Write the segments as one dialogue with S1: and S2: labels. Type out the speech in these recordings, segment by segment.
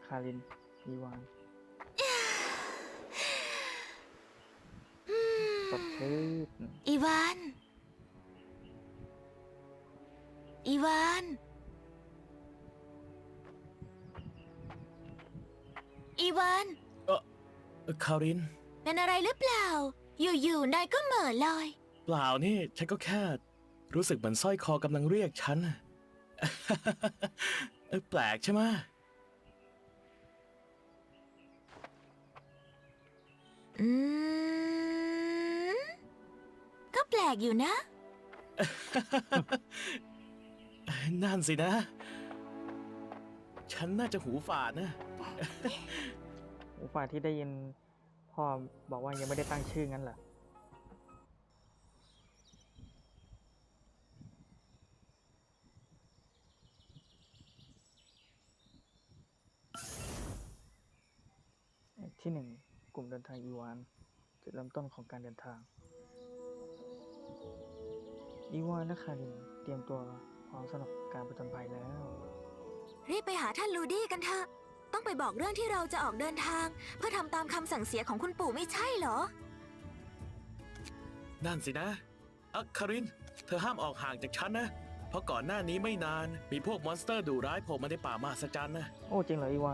S1: คารินอีวานสดชื่น
S2: อีวาน อีวาน อีวาน
S3: คาริน
S2: เป็นอะไรหรือเปล่า อยู่ๆนายก็เหม่อลอย
S3: เปล่านี่ ฉันก็แค่รู้สึกเหมือนสร้อยคอกำลังเรียกฉัน แปลกใช่ไหม
S2: อืม ก็แปลกอยู่นะ
S3: นั่นสินะ ฉันน่าจะหูฝาดนะ
S1: หูฝาดที่ได้ยินพ่อบอกว่ายังไม่ได้ตั้งชื่องั้นเหรอที่หนึ่งกลุ่มเดินทางอีวานจุดเริ่มต้นของการเดินทางอีวานและคารินเตรียมตัวพร้อมสำหรับการผจญภัยแล้ว
S2: รีบไปหาท่านลูดี้กันเถอะ ต้องไปบอกเรื่องที่เราจะออกเดินทาง เพื่อทำตามคำสั่งเสียของคุณปู่ไม่ใช่เหรอ
S3: นั่นสินะคาริน เธอห้ามออกห่างจากฉันนะ เพราะก่อนหน้านี้ไม่นาน มีพวกมอนสเตอร์ดุร้ายโผล่มาในป่ามหัศจรรย์นะ
S1: โอ้จริงเหรออีวาน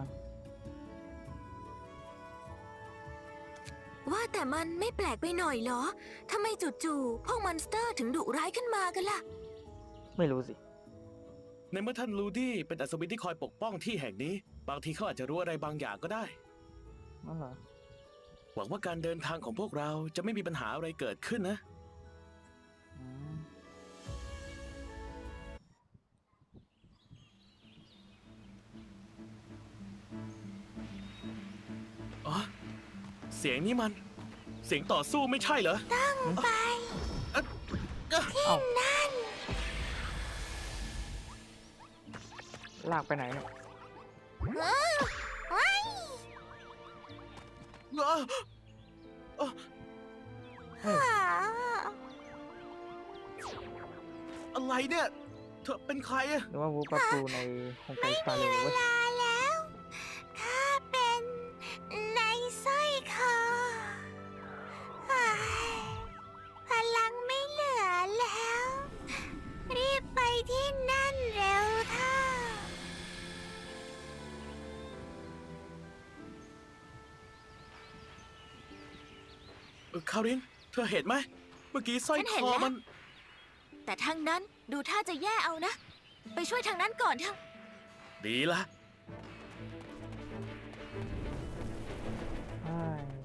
S2: ว่าแต่มันไม่แปลกไปหน่อยเหรอ ทำไมจู่ๆพวกมอนสเตอร์ถึงดุร้ายขึ้นมากันล่ะ
S1: ไม่รู้สิ
S3: ในเมื่อท่านลูดี้เป็นอัศวินที่คอยปกป้องที่แห่งนี้ บางทีเขาอาจจะรู้อะไรบางอย่างก็ได้
S1: นั่นเหรอ
S3: หวังว่าการเดินทางของพวกเราจะไม่มีปัญหาอะไรเกิดขึ้นนะ
S1: อืม
S3: อ๋อ เสียงนี้มัน เสียงต่อสู้ไม่ใช่เหรอ
S2: ไป
S1: เอ้าลากไปไหนเนี่ย
S3: อะไรเนี่ย เธอเป็นใครอะ
S1: หรือว่าวูปาปูในโฮมไกสตาร์เลยเว้ย
S2: แล้วข้าเป็นในสร้อยคอพลังไม่เหลือแล้ว รีบไปที่นั่นเร็วเถอะ
S3: คาริน เธอเห็นไหม เมื่อกี้สร้อย
S2: ฉัน
S3: ค
S2: เห็น
S3: อ
S2: แล้ว
S3: มัน
S2: แต่ทางนั้นดูท่าจะแย่เอานะ ไปช่วยทางนั้นก่อนเถอะ
S3: ดีละ
S1: ใช่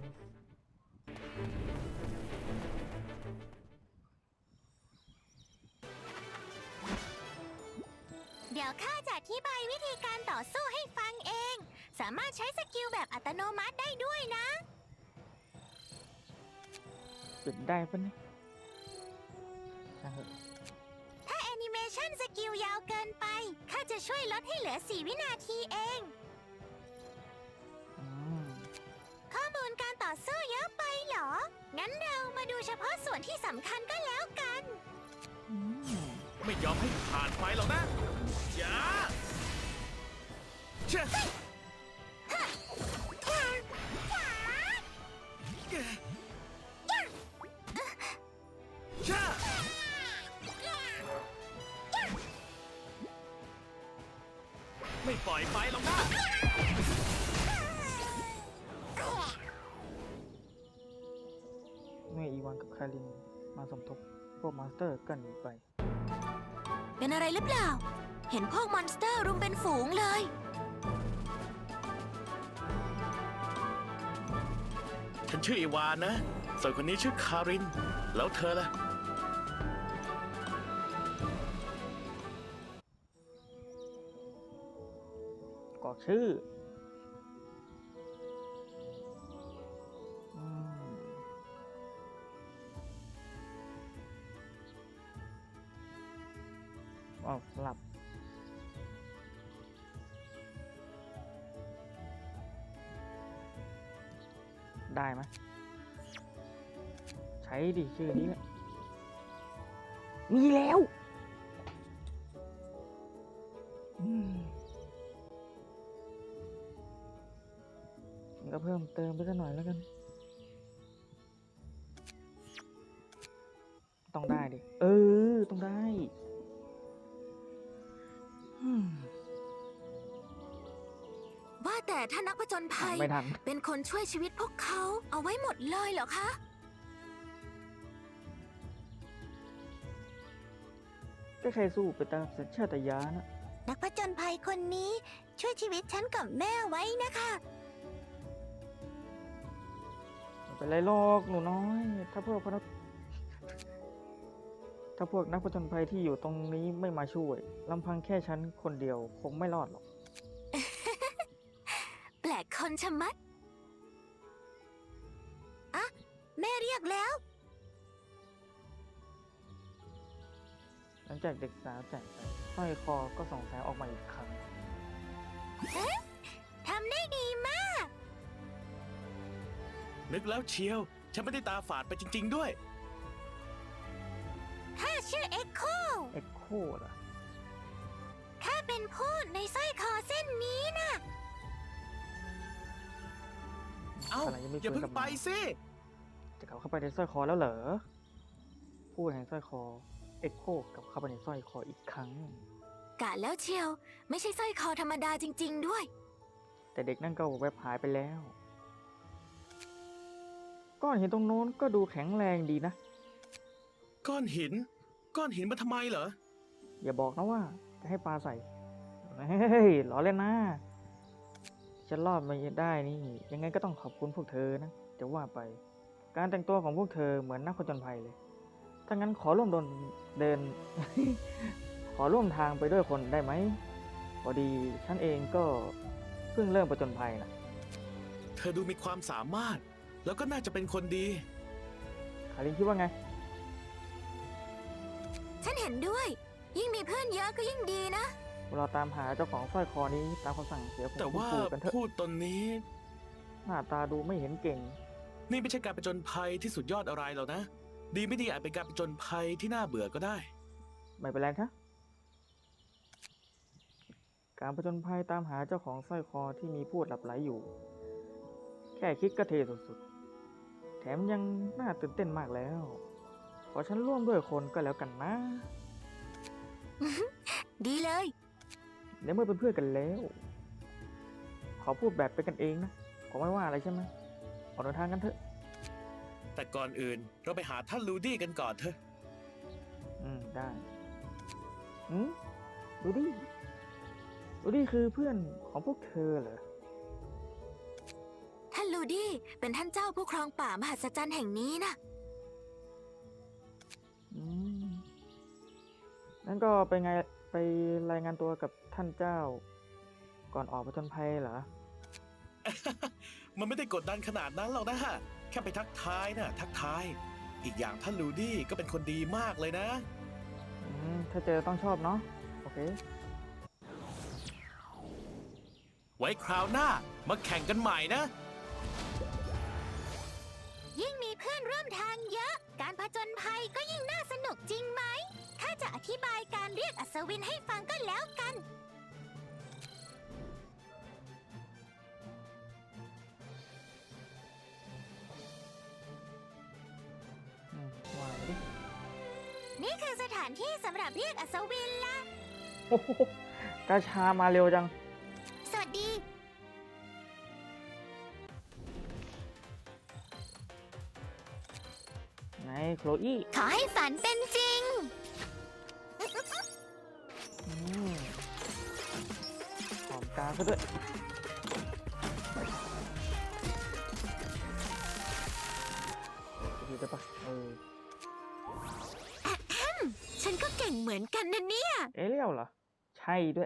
S2: เดี๋ยวข้าจะอธิบายวิธีการต่อสู้ให้ฟังเอง สามารถใช้สกิลแบบอัตโนมัติได้ด้วยนะ
S1: ปิดได้ปะเนี่ยช่างเถอะ
S2: ถ้าแอนิเมชันสกิลยาวเกินไป ข้าจะช่วยลดให้เหลือ 4 วินาทีเอง
S1: อืม
S2: ข้อมูลการต่อสู้เยอะไปเหรอ งั้นเรามาดูเฉพาะส่วนที่สำคัญก็แล้วกัน
S1: อืม
S3: ไม่ยอมให้ผ่านไปหรอกนะ อย่าเช่เช่ไม่ปล่อยไปหรอกนะ
S1: เมื่ออีวานกับคารินมาสมทบพวกมอนสเตอร์ก็หนีไป
S2: เป็นอะไรหรือเปล่า เห็นพวกมอนสเตอร์รุมเป็นฝูงเลย
S3: ฉันชื่ออีวานนะ ส่วนคนนี้ชื่อคาริน แล้วเธอล่ะ
S1: กรอกชื่ออืมอ๋อสลับ ได้ไหมใช้ดิชื่อนี้แหละมีแล้วอืมก็เพิ่มเติมไปสักหน่อยแล้วกัน ต้องได้ดิ ต้องได้อืม
S2: ว่าแต่ถ้านักผจญภัย
S1: ไม่ทัน
S2: เป็นคนช่วยชีวิตพวกเขาเอาไว้หมดเลยเหรอคะ
S1: ก็ใครสู้ไปตามสัญชาตญาณนะ
S2: นักผจญภัยคนนี้ช่วยชีวิตฉันกับแม่ไว้นะคะ
S1: ไม่เป็นไรหรอกหนูน้อย ถ้าพวกนักผจญภัยที่อยู่ตรงนี้ไม่มาช่วยลำพังแค่ฉันคนเดียวคงไม่รอดหรอก
S2: แปลกคนชะมัดอะแม่เรียกแล้ว
S1: หลังจากเด็กสาวแจกไปสร้อยคอก็ส่องแสงออกมาอีกครั้ง
S2: ทำได้ดีมาก
S3: นึกแล้วเชียว ฉันไม่ได้ตาฝาดไปจริง ๆ ด้วย
S2: ข้าชื่อเอ็กโค
S1: เอ็กโคเหรอ
S2: ข้าเป็นผู้ในสร้อยคอเส้นนี้นะ
S3: เอ้า
S1: ขณะยังไม่
S3: อย่า
S1: ฟื้น
S3: เพิ่
S1: กลั
S3: ง
S1: บ
S3: ไป
S1: มา
S3: สิ
S1: จะกลับเข้าไปในสร้อยคอแล้วเหรอผู้แห่งสร้อยคอเอ็กโคกลับเข้าไปในสร้อยคออีกครั้ง
S2: กะแล้วเชียว ไม่ใช่สร้อยคอธรรมดาจริง ๆ ด้วย
S1: แต่เด็กนั่นก็แวบหายไปแล้วก้อนหินตรงโน้นก็ดูแข็งแรงดีนะ
S3: ก้อนหินมาทำไมเหรอ
S1: อย่าบอกนะว่าจะให้ปลาใส่ เฮ้ยล้อเล่นนะ ฉันรอดมาได้นี่ ยังไงก็ต้องขอบคุณพวกเธอนะ จะว่าไป การแต่งตัวของพวกเธอเหมือนนักผจญภัยเลย ถ้างั้นขอร่วมเดิน ขอร่วมทางไปด้วยคนได้ไหม พอดีฉันเองก็เพิ่งเริ่มผจญภัยนะ
S3: เธอดูมีความสามารถ แล้วก็น่าจะเป็นคนดี
S1: คารินคิดว่าไง
S2: ฉันเห็นด้วย ยิ่งมีเพื่อนเยอะก็ยิ่งดีนะ
S1: เราตามหาเจ้าของสร้อยคอนี้ตามคำสั่งเสียของ
S3: แต่
S1: คุณ
S3: ว่า
S1: ปู่กันเถอะ
S3: พูดตอนนี้
S1: หน้าตาดูไม่เห็นเก่ง
S3: นี่ไม่ใช่การประจนภัยที่สุดยอดอะไรหรอกนะ ดีไม่ดีอาจเป็นการประจนภัยที่น่าเบื่อก็ได้
S1: ไม่เป็นไรครับการผจญภัยตามหาเจ้าของสร้อยคอที่มีพูดหลับไหลอยู่ แค่คิดก็เทสุดๆ แถมยังน่าตื่นเต้นมากแล้ว ขอฉันร่วมด้วยคนก็แล้วกันนะ
S2: ดีเลย
S1: ในเมื่อเป็นเพื่อนกันแล้ว ขอพูดแบบเป็นกันเองนะผมไม่ว่าอะไรใช่ไหมออกเดินทางกันเถอะ
S3: แต่ก่อนอื่นเราไปหาท่านลูดี้กันก่อนเถอะ
S1: ได้ดูดิคือเพื่อนของพวกเธอเหรอ
S2: ท่านลูดี้เป็นท่านเจ้าผู้ครองป่ามหัศจรรย์แห่งนี้นะ
S1: นั่นก็ไปรายงานตัวกับท่านเจ้า ก่อนออกผจญภัยเหรอ
S3: มันไม่ได้กดดันขนาดนั้นหรอกนะฮะ แค่ไปทักทายนะทักทาย อีกอย่างท่านลูดี้ก็เป็นคนดีมากเลยนะ
S1: ถ้าเจอต้องชอบเนาะ โอเค
S3: ไว้คราวหน้ามาแข่งกันใหม่นะ
S2: ยิ่งมีเพื่อนร่วมทางเยอะ การผจญภัยก็ยิ่งน่าสนุกจริงไหม ข้าจะอธิบายการเรียกอัศวินให้ฟังก็แล้วกัน
S1: ว่ามาดิ
S2: นี่คือสถานที่สำหรับเรียกอัศวินละ
S1: โอ้โหกาชามาเร็วจัง
S2: สวัสดี
S1: ไงโคลอี้
S2: ขอให้ฝันเป็นจริง
S1: หอมกาซะด้วยดีได้ปะ
S2: ฉันก็เก่งเหมือนกันนะเนี่ย
S1: เอเรียลเหรอ ใช่ด้วย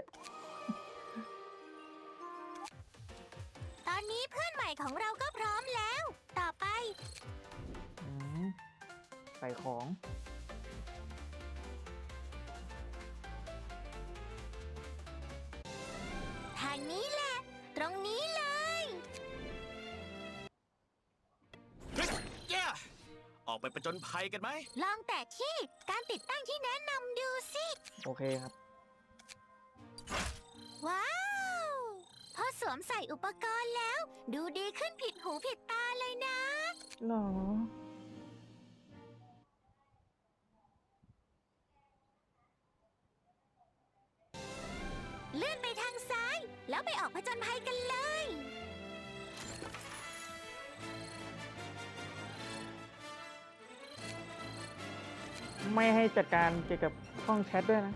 S2: ตอนนี้เพื่อนใหม่ของเราก็พร้อมแล้ว ต่อไป
S1: ใส่ของ
S2: ทางนี้แหละ ตรงนี้เลย
S3: ออกไปประจนภัยกันไหม
S2: ลองแต่ที่การติดตั้งที่แนะนำดูสิ
S1: โอเคครับ
S2: ว้าว พอสวมมใส่อุปกรณ์แล้ว ดูดีขึ้นผิดหูผิดตาเลยนะ
S1: หรอ
S2: เลื่อนไปทางซ้าย แล้วไปออกผจญภัยกันเลย
S1: ไม่ให้จัดการเกี่ยวกับห้องแชทด้วยนะ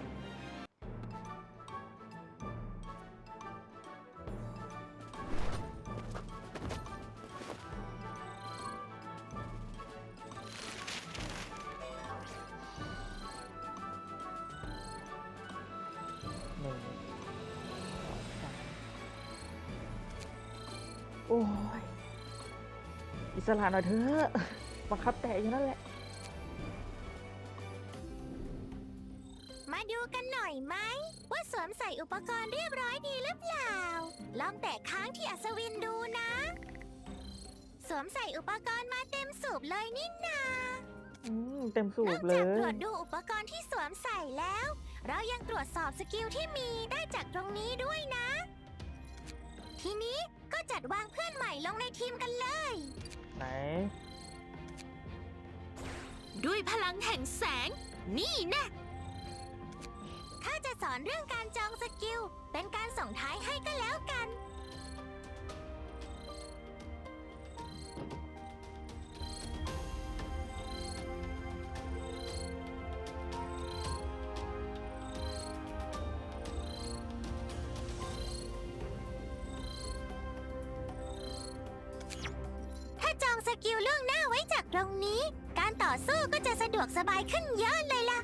S1: หนึ่งสามโอ้ย อิสระหน่อยเถอะบังคับแตะอยู่นั่นแหละ
S2: มาดูกันหน่อยไหม ว่าสวมใส่อุปกรณ์เรียบร้อยดีหรือเปล่า ลองแตะค้างที่อัศวินดูนะ สวมใส่อุปกรณ์มาเต็มสูบเลยนี่นา
S1: เต็มสู
S2: นอบ ก
S1: เล
S2: จาก
S1: ย
S2: ตรวจดูอุปกรณ์ที่สวมใส่แล้ว เรายังตรวจสอบสกิลที่มีได้จากตรงนี้ด้วยนะ ทีนี้ก็จัดวางเพื่อนใหม่ลงในทีมกันเลย
S1: ไหน
S2: ด้วยพลังแห่งแสง นี่นะข้าจะสอนเรื่องการจองสกิล เป็นการส่งท้ายให้ก็แล้วกัน ถ้าจองสกิลล่วงหน้าไว้จากตรงนี้ การต่อสู้ก็จะสะดวกสบายขึ้นเยอะเลยล่ะ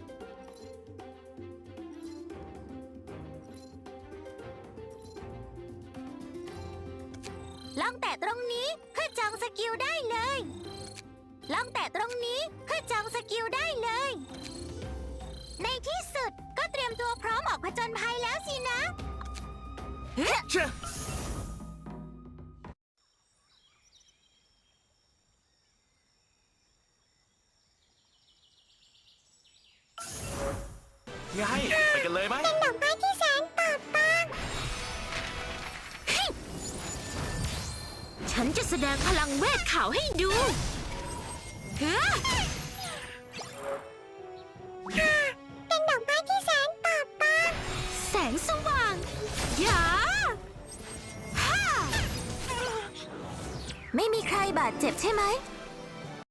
S2: ลองแตะตรงนี้เพื่อจองสกิลได้เลย ลองแตะตรงนี้เพื่อจองสกิลได้เลย ในที่สุดก็เตรียมตัวพร้อมออกผจญภัยแล้วสินะ
S3: เชื่อไงไปกันเลยไหม
S2: ดอกไม้ที่แสนปราบปรามฉันจะแสดงพลังเวทขาวให้ดูเฮ้เป็นดอกไม้ที่แสนปราบปรามแสงสว่างยาฮ่าไม่มีใครบาดเจ็บใช่ไหม